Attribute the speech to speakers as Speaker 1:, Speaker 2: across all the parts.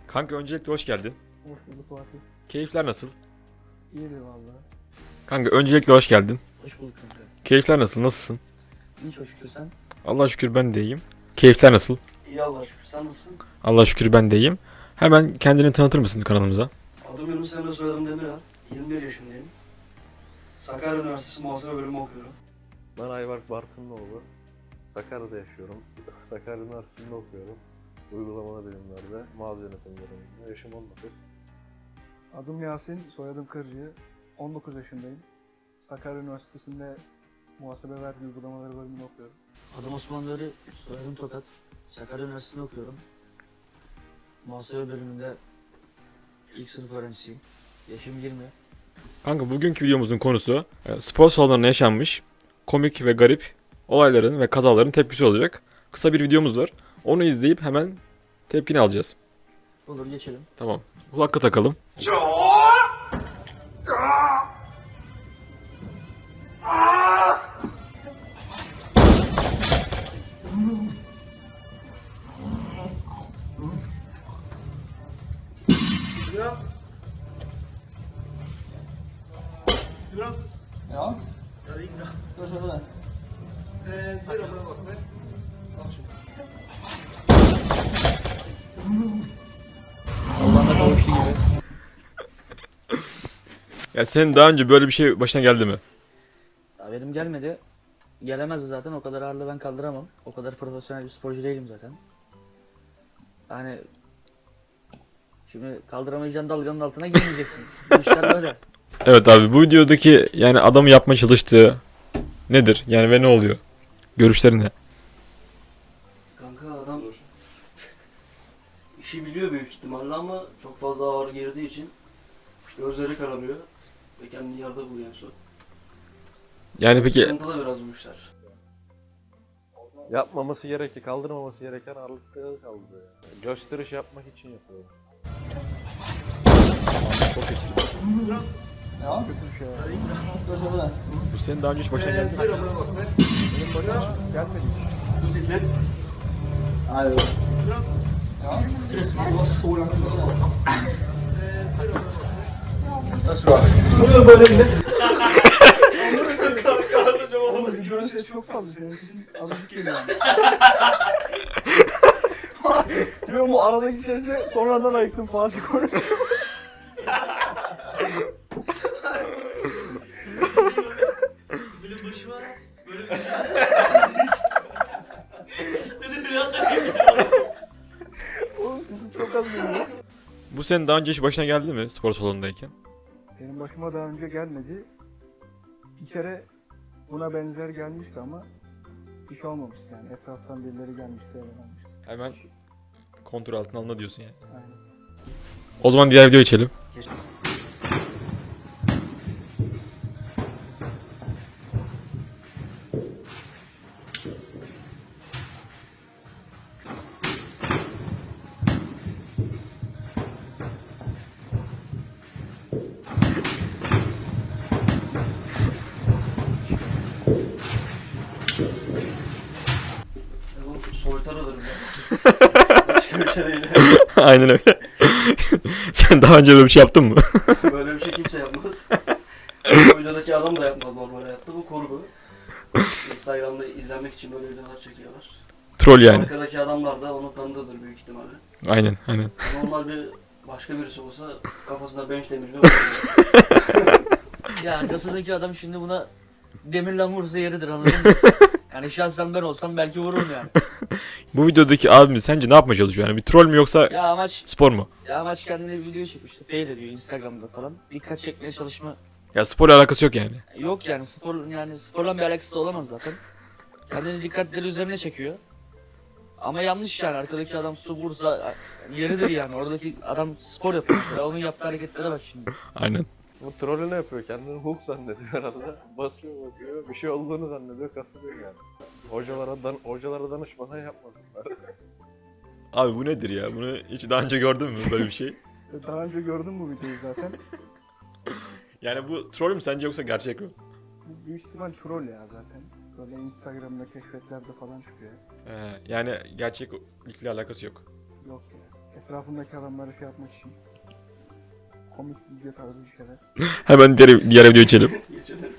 Speaker 1: Kanka öncelikle hoş geldin.
Speaker 2: Hoş bulduk Fatih.
Speaker 1: Keyifler nasıl?
Speaker 2: İyidir valla.
Speaker 1: Kanka öncelikle hoş geldin.
Speaker 2: Hoş bulduk kanka.
Speaker 1: Keyifler nasıl? Nasılsın?
Speaker 2: İyi çok şükür sen.
Speaker 1: Allah'a şükür ben de iyiyim. Keyifler nasıl?
Speaker 2: İyi Allah'a şükür. Sen nasılsın?
Speaker 1: Allah'a şükür ben de iyiyim. Hemen kendini tanıtır mısın kanalımıza?
Speaker 2: Adım Yunus Emre, soyadım Demiral. 21 yaşındayım. Sakarya Üniversitesi Muhasebe Bölümü okuyorum.
Speaker 3: Ben Ayberk Barkınlıoğlu. Sakarya'da yaşıyorum. Sakarya Üniversitesi'nde okuyorum. Uygulamalı bilimlerde, mağaza yönetimi bölümünde. Yaşım 19.
Speaker 4: Adım Yasin, soyadım Kırcı. 19 yaşındayım. Sakarya Üniversitesi'nde muhasebe vergi uygulamaları bölümünü okuyorum.
Speaker 5: Adım Osman Nuri, soyadım Tokat. Sakarya Üniversitesi'nde okuyorum. Muhasebe bölümünde ilk sınıf öğrencisiyim. Yaşım 20.
Speaker 1: Kanka bugünkü videomuzun konusu spor salonlarında yaşanmış komik ve garip olayların ve kazaların tepkisi olacak. Kısa bir videomuz var. Onu izleyip hemen tepkini alacağız.
Speaker 5: Olur geçelim.
Speaker 1: Tamam. Kulaklık takalım.
Speaker 5: Allah'ına kavuştu gibi.
Speaker 1: Ya senin daha önce böyle bir şey başına geldi mi?
Speaker 5: Ya benim gelmedi. Gelemezdi zaten, o kadar ağırlığı ben kaldıramam. O kadar profesyonel bir sporcu değilim zaten. Yani şimdi kaldıramayacağın dalganın altına girmeyeceksin. Bu işler böyle.
Speaker 1: Evet abi, bu videodaki yani adamı yapmaya çalıştığı nedir? Yani ve ne oluyor? Görüşlerin ne?
Speaker 2: Kanka adam işi biliyor büyük ihtimalle ama çok fazla ağır girdiği için gözleri kararıyor ve kendini yerde buluyor en son.
Speaker 1: Yani peki
Speaker 2: Sıkıntılı biraz bu işler.
Speaker 3: Yapmaması gereken, kaldırmaması gereken ağırlıkları kaldırıyor. Yani. Gösteriş yapmak için yapıyor.
Speaker 4: Kötü bir şey var.
Speaker 1: bu senin daha önce hiç başına geldi mi?
Speaker 4: Benim başıma gelmedi hiç. Oğlum videonun sesi çok fazla. Senin sesin azıcık geliyor. Diyorum bu aradaki sesle sonradan ayıktım Fatih konuştu.
Speaker 5: Benim başıma böyle bir
Speaker 4: Oğlum sesin çok az geliyor.
Speaker 1: Bu senin daha önce hiç başına geldi mi spor salonundayken?
Speaker 4: Benim başıma daha önce gelmedi. Bir kere buna benzer gelmişti ama hiç olmamıştı yani. Etraftan birileri gelmişti, evlenmişti.
Speaker 1: Hemen kontrol altına alma diyorsun yani.
Speaker 4: Aynen.
Speaker 1: O zaman diğer videoya geçelim.
Speaker 2: Bu soytar alırım ben. Başka bir şey değil.
Speaker 1: Aynen öyle. Sen daha önce böyle bir şey yaptın mı?
Speaker 2: Böyle bir şey kimse yapmaz. Bu videodaki adam da yapmaz normal hayatta. Bu kurgu. Instagram'da izlenmek için böyle videolar çekiyorlar.
Speaker 1: Troll yani.
Speaker 2: Arkadaki adamlar da onun tanıdığıdır büyük ihtimalle.
Speaker 1: Aynen aynen.
Speaker 2: Normal bir başka birisi olsa kafasına bench demirle
Speaker 5: Ya arkasındaki adam şimdi buna demirle vursa yeridir, anladın mı? Yani şahsen ben olsam belki vururum yani.
Speaker 1: Bu videodaki abimiz sence ne yapmaya çalışıyor? Yani bir troll mü yoksa
Speaker 5: Ya amaç
Speaker 1: spor mu?
Speaker 5: kendine bir video çekmişti. Fail ediyor Instagram'da falan. Dikkat çekmeye çalışma
Speaker 1: Ya sporla alakası yok yani.
Speaker 5: yok yani, sporla bir alakası da olamaz zaten. Kendini dikkatleri üzerine çekiyor. Ama yanlış yani, arkadaki adam su vursa yeridir yani. Oradaki adam spor yapıyor mesela. Onun yaptığı hareketlere bak şimdi.
Speaker 1: Aynen.
Speaker 3: Bu trolü ne yapıyor? Kendini hook zannediyor herhalde. Basıyor bakıyor. Bir şey olduğunu zannediyor. Kasılıyor yani. Hocalara danışmadan yapmadılar.
Speaker 1: Abi bu nedir ya? Bunu hiç daha önce gördün mü böyle bir şey?
Speaker 4: Daha önce gördüm bu videoyu zaten.
Speaker 1: Yani bu troll mü sence yoksa gerçek mi?
Speaker 4: Bu büyük ihtimal troll ya zaten. Böyle Instagram'da keşfetlerde falan çıkıyor.
Speaker 1: Yani gerçeklikle alakası yok.
Speaker 4: Yok ya. etrafındaki adamları şey yapmak için. Komik video tarzı bir şeyler.
Speaker 1: Hemen diğer videoya geçelim.
Speaker 2: Geçelim.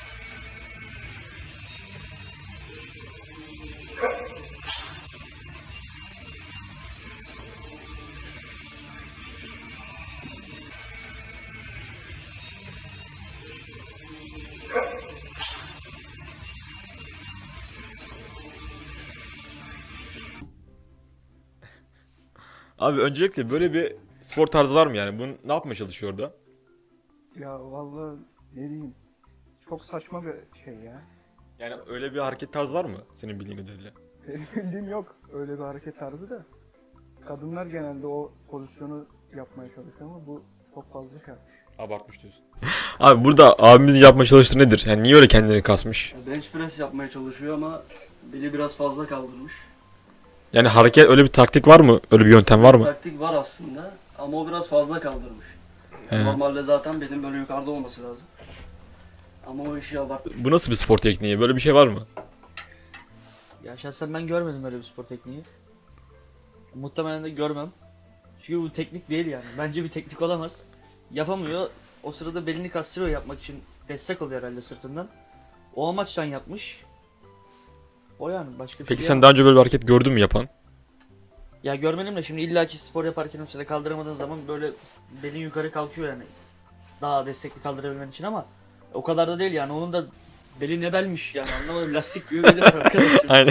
Speaker 1: Abi öncelikle böyle bir spor tarzı var mı yani? Bunu ne yapmaya çalışıyor orada?
Speaker 4: Ya vallahi ne diyeyim. Çok saçma bir şey ya.
Speaker 1: Yani öyle bir hareket tarzı var mı senin bildiğin kadarıyla?
Speaker 4: Benim bildiğim yok öyle bir hareket tarzı da. Kadınlar genelde o pozisyonu yapmaya çalışıyor ama bu çok fazla şey yapmış.
Speaker 1: Abartmış diyorsun. Abi burada abimizin yapmaya çalıştığı nedir? Yani niye öyle kendini kasmış?
Speaker 2: Bench press yapmaya çalışıyor ama beli biraz fazla kaldırmış.
Speaker 1: Yani hareket öyle bir taktik var mı? Öyle bir yöntem var mı?
Speaker 2: Taktik var aslında ama o biraz fazla kaldırmış.
Speaker 1: He.
Speaker 2: Normalde zaten belim böyle yukarıda olması lazım. Ama o işi abarttı.
Speaker 1: Bu nasıl bir spor tekniği? Böyle bir şey var mı?
Speaker 5: Ya şahsen ben görmedim öyle bir spor tekniği. Muhtemelen de görmem. Çünkü bu teknik değil yani. Bence bir teknik olamaz. Yapamıyor. O sırada belini kastırıyor yapmak için. Destek oluyor herhalde sırtından. O amaçtan yapmış. O yani başka bir
Speaker 1: Peki
Speaker 5: şey
Speaker 1: sen
Speaker 5: yapamaz.
Speaker 1: daha önce böyle bir hareket gördün mü yapan?
Speaker 5: Ya görmedim de şimdi illaki spor yaparken mesela kaldıramadığın zaman böyle belin yukarı kalkıyor yani. Daha destekli kaldırabilmen için ama o kadar da değil yani. Onun da beli ne belmiş yani, anlamadım. Lastik gibi beli var arkadaşım.
Speaker 1: Aynen.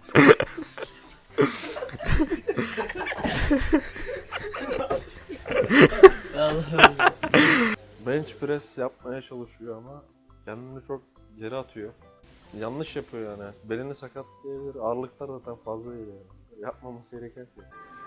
Speaker 5: Allah'ım.
Speaker 3: Bench press yapmaya çalışıyor ama kendini çok geri atıyor. Yanlış yapıyor yani. Belini sakatlayabilir. Ağırlıklar zaten fazla değil yani. Yapmaması gereken şey.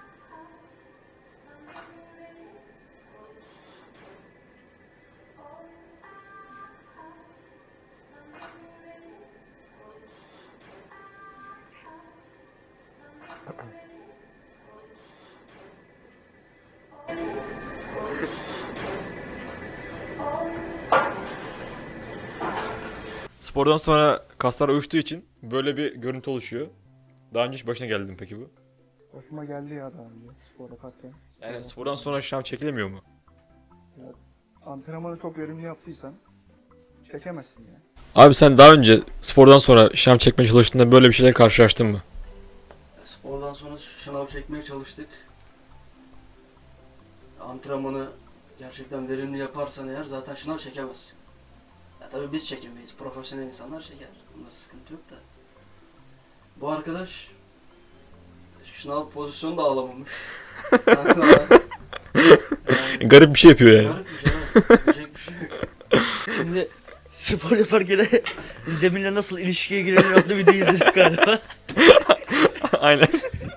Speaker 1: Spordan sonra kaslar uyuştuğu için böyle bir görüntü oluşuyor. Daha önce hiç başına geldi mi peki bu?
Speaker 4: Başıma geldi ya daha önce spor yaparken.
Speaker 1: Yani spordan sonra şınav çekilemiyor mu?
Speaker 4: Antrenmanı çok verimli yaptıysan çekemezsin ya.
Speaker 1: Abi sen daha önce spordan sonra şınav çekmeye çalıştığında böyle bir şeyle karşılaştın mı?
Speaker 2: Spordan sonra şınav çekmeye çalıştık. Antrenmanı gerçekten verimli yaparsan eğer zaten şınav çekemezsin. Ya tabii biz çekemeyiz. Profesyonel insanlar çeker. Bunlara sıkıntı yok da. Bu arkadaş şınav pozisyonu da alamamış. Yani
Speaker 1: Garip bir şey yapıyor yani.
Speaker 2: garip bir şey. Evet. Yapacak bir şey yok.
Speaker 5: Şimdi spor yaparken zeminle nasıl ilişkiye girelim adlı videoyu izledik galiba.
Speaker 1: Aynen.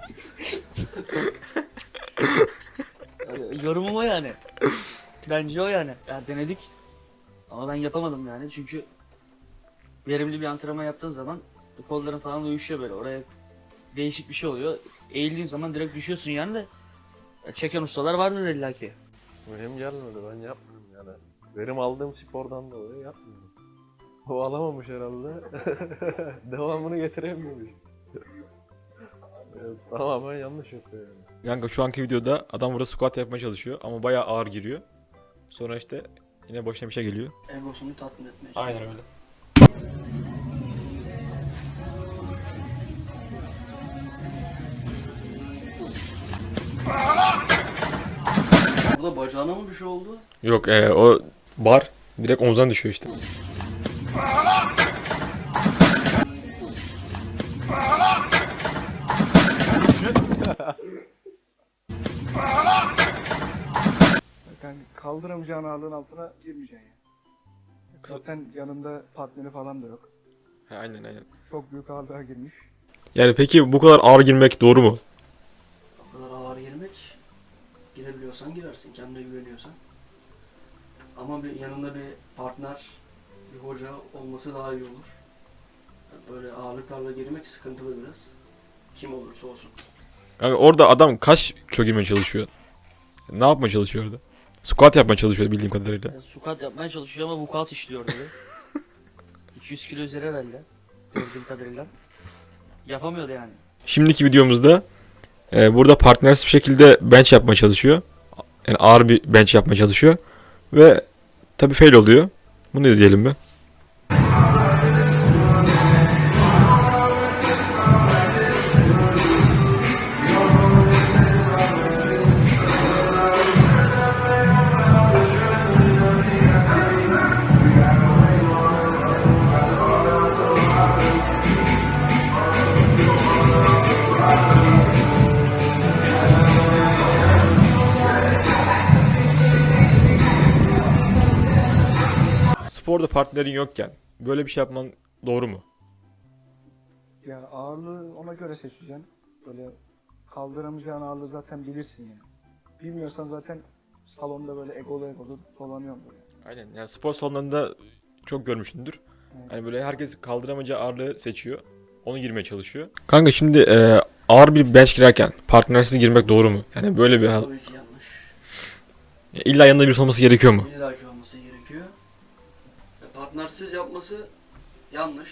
Speaker 5: Yorumum o yani. Bence o yani. Ya denedik. Ama ben yapamadım yani çünkü verimli bir antrenman yaptığın zaman kolların falan uyuşuyor böyle. Oraya değişik bir şey oluyor. Eğildiğin zaman direkt düşüyorsun yani de. Ya çeken ustalar vardır illaki.
Speaker 3: Benim gelmedi, ben yapmıyorum yani. Verim aldığım spordan dolayı yapmıyorum. O alamamış herhalde. Devamını getiremiyormuş. Tamamen yanlış yapıyor yani.
Speaker 1: Kanka şu anki videoda adam burada squat yapmaya çalışıyor ama bayağı ağır giriyor. Sonra işte yine başına bir şey geliyor.
Speaker 2: Egosunu tatmin etmeye çalışıyor.
Speaker 1: Aynen öyle.
Speaker 2: Burada bacağına mı bir şey oldu?
Speaker 1: Yok o bar direkt omuzdan düşüyor işte.
Speaker 4: Yani kaldıramayacağın ağırlığın altına girmeyeceksin ya. Zaten yanında partneri falan da yok.
Speaker 1: He, aynen.
Speaker 4: Çok büyük ağırlığa girmiş.
Speaker 1: Yani peki bu kadar ağır girmek doğru mu?
Speaker 2: O kadar ağır girmek, girebiliyorsan girersin, kendine güveniyorsan. Ama bir yanında bir partner, bir hoca olması daha iyi olur. Böyle ağırlıklarla girmek sıkıntılı biraz. Kim olursa olsun.
Speaker 1: Yani orada adam kaç kilo girmeye çalışıyor? Ne yapmaya çalışıyor orada? Squat yapmaya çalışıyor bildiğim kadarıyla.
Speaker 5: Yani squat yapmaya çalışıyor ama vukuat işliyor dedi. 200 kilo üzeri herhalde. Gördüğüm kadarıyla. Yapamıyordu yani.
Speaker 1: Şimdiki videomuzda Burada partnersiz bir şekilde bench yapmaya çalışıyor. Yani ağır bir bench yapmaya çalışıyor. Ve tabii fail oluyor. Bunu izleyelim mi? Sporda partnerin yokken böyle bir şey yapman doğru mu?
Speaker 4: Ya ağırlığı ona göre seçeceksin. Böyle kaldıramayacağın ağırlığı zaten bilirsin yani. Bilmiyorsan zaten salonda böyle egolu dolanıyorsun böyle.
Speaker 1: Aynen. Yani spor salonlarında çok görmüşsündür.
Speaker 4: Evet.
Speaker 1: Hani böyle herkes kaldıramayacağı ağırlığı seçiyor. Onu girmeye çalışıyor. Kanka şimdi ağır bir bench girerken partnersiz girmek doğru mu? Yani böyle bir
Speaker 2: Tabii ki yanlış.
Speaker 1: illa yanında birisi olması gerekiyor mu?
Speaker 2: İlla ki olması gerekiyor. Partnersiz yapması yanlış.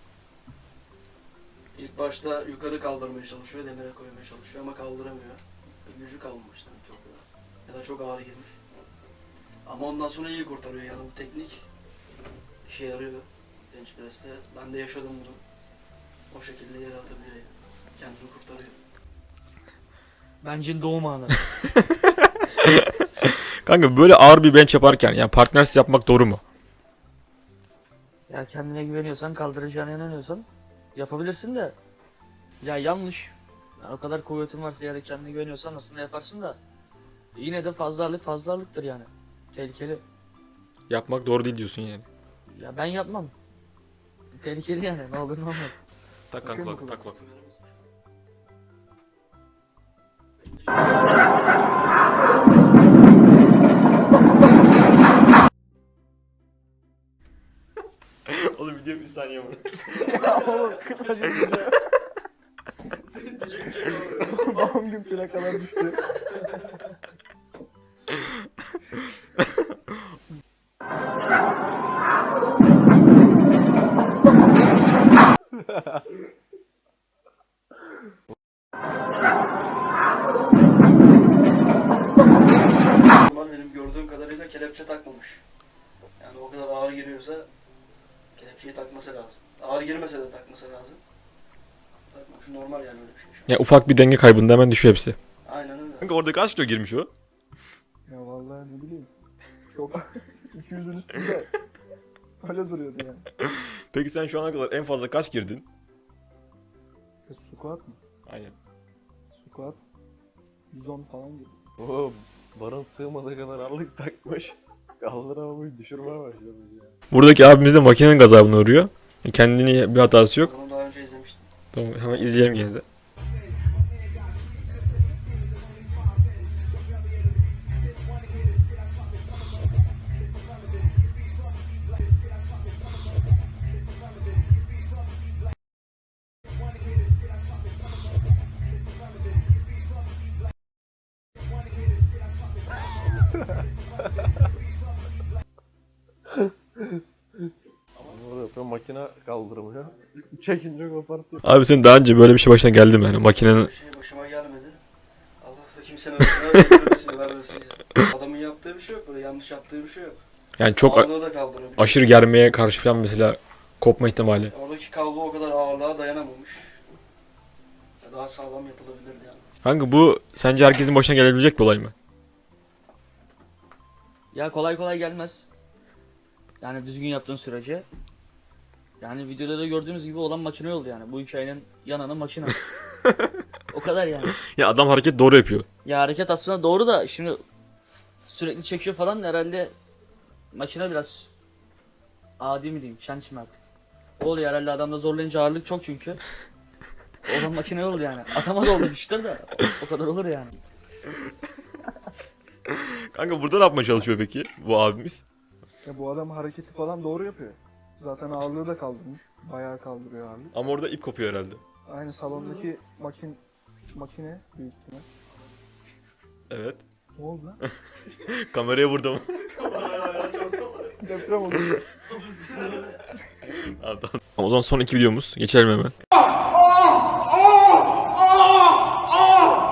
Speaker 2: İlk başta yukarı kaldırmaya çalışıyor, demire koymaya çalışıyor ama kaldıramıyor. Gücü kalmamış demek ki o kadar. Ya da çok ağır girmiş. Ama ondan sonra iyi kurtarıyor yani bu teknik işe yarıyor bench press'te. Ben de yaşadım bunu. O şekilde yere atabiliyor yani. Kendini kurtarıyor.
Speaker 5: Bencin doğum anı.
Speaker 1: Kanka böyle ağır bir bench yaparken yani partnersiz yapmak doğru mu?
Speaker 5: Ya kendine güveniyorsan, kaldıracağına inanıyorsan yapabilirsin de. Ya yanlış. Yani o kadar kuvvetin varsa ya da kendine güveniyorsan aslında yaparsın da. Yine de fazla ağırlıktır yani. Tehlikeli.
Speaker 1: Yapmak doğru değil diyorsun yani.
Speaker 5: Ya ben yapmam. Tehlikeli yani, ne olur ne olmaz.
Speaker 1: Tak
Speaker 4: Bakıyor
Speaker 1: kulak,
Speaker 4: mu
Speaker 1: tak kulak. Oğlum video 3 saniye var.
Speaker 4: Oğlum kısaca video. Doğum gün plakalar düştü.
Speaker 2: Normal benim gördüğüm kadarıyla kelepçe takmamış. Yani o kadar ağır giriyorsa kelepçeyi takması lazım. Ağır girmese de takması lazım. Takmamış. Normal yani öyle bir şey.
Speaker 1: Ya ufak bir denge kaybında hemen düşüyor hepsi.
Speaker 2: Aynen öyle.
Speaker 1: Kanka orada kaç kilo girmiş o?
Speaker 4: Ya vallahi ne bileyim. Çok 200'ün üstünde. Öyle duruyordu yani.
Speaker 1: Peki sen şu ana kadar en fazla kaç girdin?
Speaker 4: Squat mı?
Speaker 1: Aynen.
Speaker 4: Squat 110 falan gibi.
Speaker 3: O barın sığmadığı kadar ağırlık takmış. Kaldıramamış, düşürmeye başlamış ya.
Speaker 1: Buradaki abimiz de makinenin gazabına uğruyor. Kendini bir hatası yok.
Speaker 2: Onu daha önce izlemiştim.
Speaker 1: Tamam hemen izleyelim gene de.
Speaker 3: Bunu yapıyor, makine kaldırmıyor. Çekince kopartıyor.
Speaker 1: Abi senin daha önce böyle bir şey başına geldi mi? Yani makinenin
Speaker 2: Bir şey başıma gelmedi. Allah da kimsenin başına vermesin, vermesin ya. Adamın yaptığı bir şey yok. Böyle yanlış yaptığı bir şey yok.
Speaker 1: yani çok
Speaker 2: Ağırlığı da kaldırabiliyor.
Speaker 1: aşırı germeye karşı falan mesela kopma ihtimali.
Speaker 2: Oradaki kablo o kadar ağırlığa dayanamamış. Ya daha sağlam yapılabilirdi yani.
Speaker 1: Kanka bu sence herkesin başına gelebilecek bir olay mı?
Speaker 5: Ya kolay kolay gelmez. Yani düzgün yaptığın sürece. Yani videoda da gördüğümüz gibi olan makine oldu yani. Bu hikayenin yananı makine. O kadar yani.
Speaker 1: Ya adam hareket doğru yapıyor.
Speaker 5: Ya hareket aslında doğru da şimdi sürekli çekiyor falan, herhalde makine biraz adi mi diyeyim, şenç mi artık. O oluyor herhalde, adamda zorlayınca ağırlık çok çünkü. Olan makine olur yani. Atama da olur işte de o kadar olur yani.
Speaker 1: Kanka burada ne yapmaya çalışıyor peki bu abimiz?
Speaker 4: Ya bu adam hareketi falan doğru yapıyor. Zaten ağırlığı da kaldırmış. Bayağı kaldırıyor ağırlık.
Speaker 1: Ama orada ip kopuyor herhalde.
Speaker 4: Aynı salondaki makine büyük ihtimal.
Speaker 1: Evet.
Speaker 4: Ne oldu lan?
Speaker 1: Kameraya vurdum.
Speaker 4: Deprem oldu.
Speaker 1: O zaman son iki videomuz. Geçelim hemen.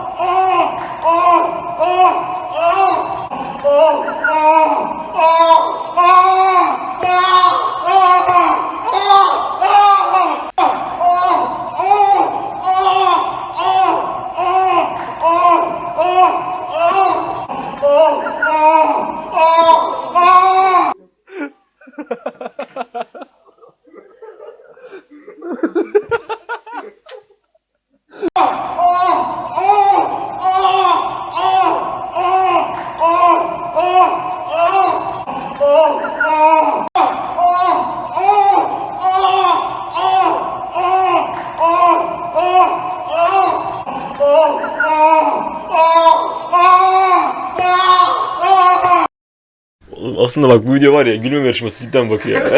Speaker 1: Oğlum aslında bak bu video var ya gülme yarışması cidden bak ya.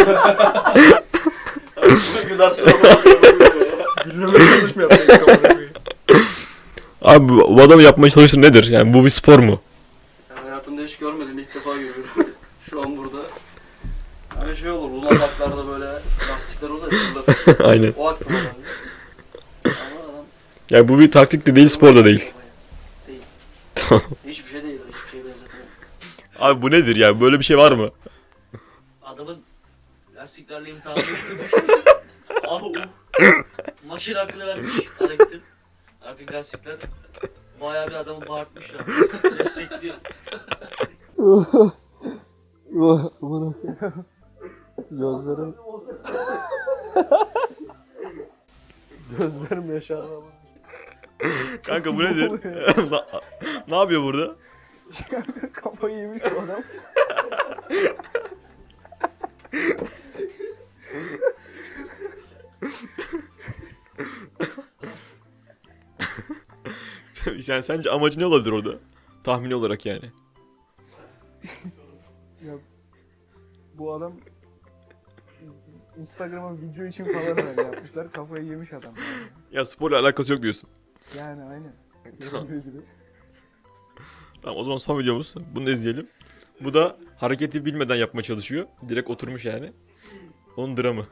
Speaker 2: Gülersin ama.
Speaker 4: Gülmemeye çalışmıyor yapmayı.
Speaker 1: Abi bu adamı yapmaya çalıştığı nedir? Yani bu bir spor mu?
Speaker 2: Yani hayatımda hiç görmedim, ilk defa görüyorum. Şu an burada. Hani şey olur, Luna Parklarda böyle lastikler olur ya, fırlatır.
Speaker 1: Aynen.
Speaker 2: O aklıma geldi. Ama adam...
Speaker 1: Yani bu bir taktik de değil, spor da değil.
Speaker 2: Değil.
Speaker 1: Tamam.
Speaker 2: Hiçbir şey değil, hiçbir şeye benzetmiyor.
Speaker 1: Abi bu nedir ya? Böyle bir şey var mı?
Speaker 5: Adamın lastiklerle imtihanı Ahu. Makine hakkını vermiş hareketin. Artık lastikler bayağı bir adamı bağırtmış ya. Destekliyor.
Speaker 3: Gözlerim... Gözlerim yaşardı ama.
Speaker 1: Kanka bu nedir? Ne yapıyor burada?
Speaker 4: Kafayı yemiş bu adam.
Speaker 1: Yani sence amacı ne olabilir orada? Tahmini olarak yani.
Speaker 4: Ya, bu adam Instagram'a video için falan öyle yapmışlar. Kafayı yemiş adam.
Speaker 1: Ya sporla alakası yok diyorsun.
Speaker 4: Yani aynen.
Speaker 1: Tamam.
Speaker 4: Göründüğü gibi.
Speaker 1: Tamam o zaman son videomuz. Bunu da izleyelim. Bu da hareketi bilmeden yapmaya çalışıyor. Direkt oturmuş yani. Onun dramı.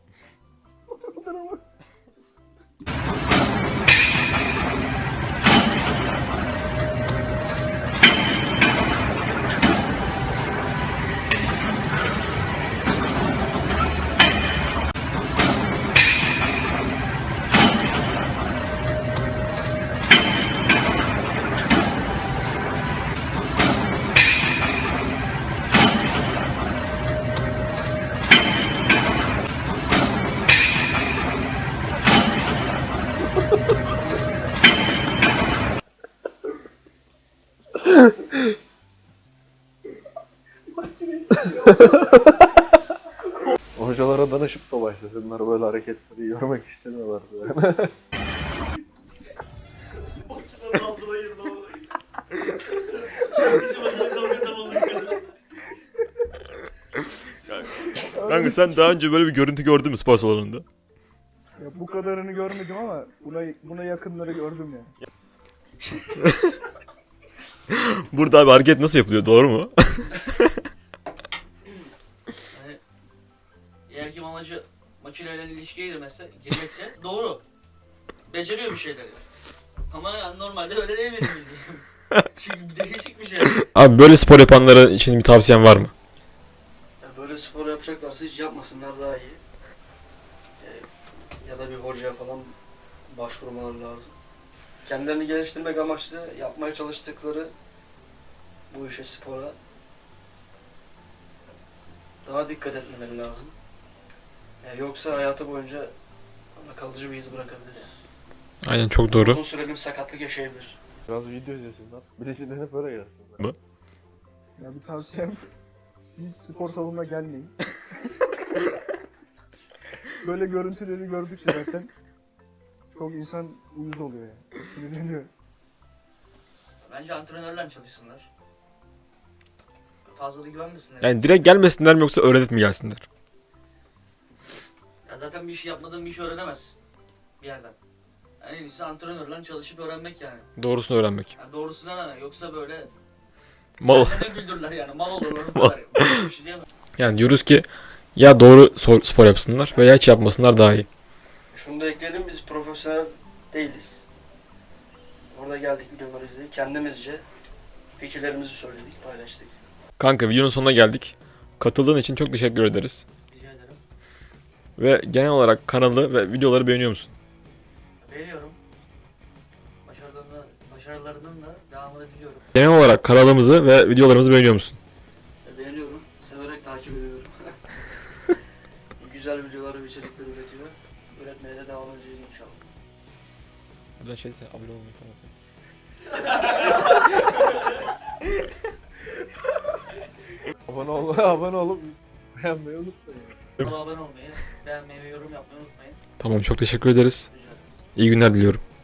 Speaker 3: Hocalara danışıp da başlasınlar, böyle hareketleri görmek istemiyorlar. Yani.
Speaker 1: Kanka sen daha önce böyle bir görüntü gördün mü spor salonunda?
Speaker 4: Ya bu kadarını görmedim ama buna yakınları gördüm ya.
Speaker 1: Burada abi hareket nasıl yapılıyor, doğru mu?
Speaker 5: Hani eğer ki amacı makineyle ilişkiye girmekse doğru. Beceriyor bir şeyleri. Ama yani normalde öyle değil benim bildiğim. Çünkü değişik bir şey.
Speaker 1: Abi böyle spor yapanlara için bir tavsiyen var mı?
Speaker 2: Ya böyle spor yapacaklarsa hiç yapmasınlar daha iyi. Ya da bir hocaya falan başvurmaları lazım. Kendilerini geliştirmek amaçlı yapmaya çalıştıkları bu işe, spora daha dikkat etmeleri lazım. Yoksa hayatı boyunca kalıcı bir iz bırakabilir yani.
Speaker 1: Aynen, çok doğru.
Speaker 2: Uzun süreli bir sakatlık yaşayabilir.
Speaker 3: Biraz video izlesinler. Birisi denip öyle gelsinler.
Speaker 4: Ya bir tavsiyem, hiç spor salonuna gelmeyin. Böyle görüntüleri gördükçe zaten çok insan uyuz oluyor yani. Sinirleniyor.
Speaker 5: Bence antrenörle çalışsınlar. Fazla da güvenmesinler.
Speaker 1: Yani direkt gelmesinler mi yoksa öğrenip mi gelsinler?
Speaker 5: Ya zaten bir işi yapmadığın bir işi öğrenemezsin. Bir yerden. Yani en iyisi antrenörle çalışıp öğrenmek yani.
Speaker 1: Doğrusunu öğrenmek.
Speaker 5: Yani doğrusuna ne? Yoksa böyle
Speaker 1: Mal.
Speaker 5: kendine güldürürler yani. Mal olurlar bu kadar. Başka bir şey diyemem.
Speaker 1: Yani diyoruz ki ya doğru spor yapsınlar veya hiç yapmasınlar daha iyi.
Speaker 2: Şunu da ekleyelim, biz profesyonel değiliz. Orada geldik, videoları izledik. Kendimizce fikirlerimizi söyledik, paylaştık.
Speaker 1: Kanka videonun sonuna geldik. Katıldığın için çok teşekkür ederiz.
Speaker 5: Rica ederim.
Speaker 1: Ve genel olarak kanalı ve videoları beğeniyor musun?
Speaker 5: Beğeniyorum. Başarılarının da devamını diliyorum.
Speaker 1: Genel olarak kanalımızı ve videolarımızı beğeniyor musun?
Speaker 2: Beğeniyorum, severek takip ediyorum. Güzel videoları ve içerikler üretiyor. Üretmeye de devam edeceğiz inşallah.
Speaker 1: Buradan şeyse abone olmayı falan.
Speaker 3: Abone olup beğenmeyi unutmayın.
Speaker 5: Kanala abone olmayı, beğenmeyi ve yorum yapmayı unutmayın.
Speaker 1: Tamam, çok teşekkür ederiz.
Speaker 5: Rica ederim.
Speaker 1: İyi günler diliyorum.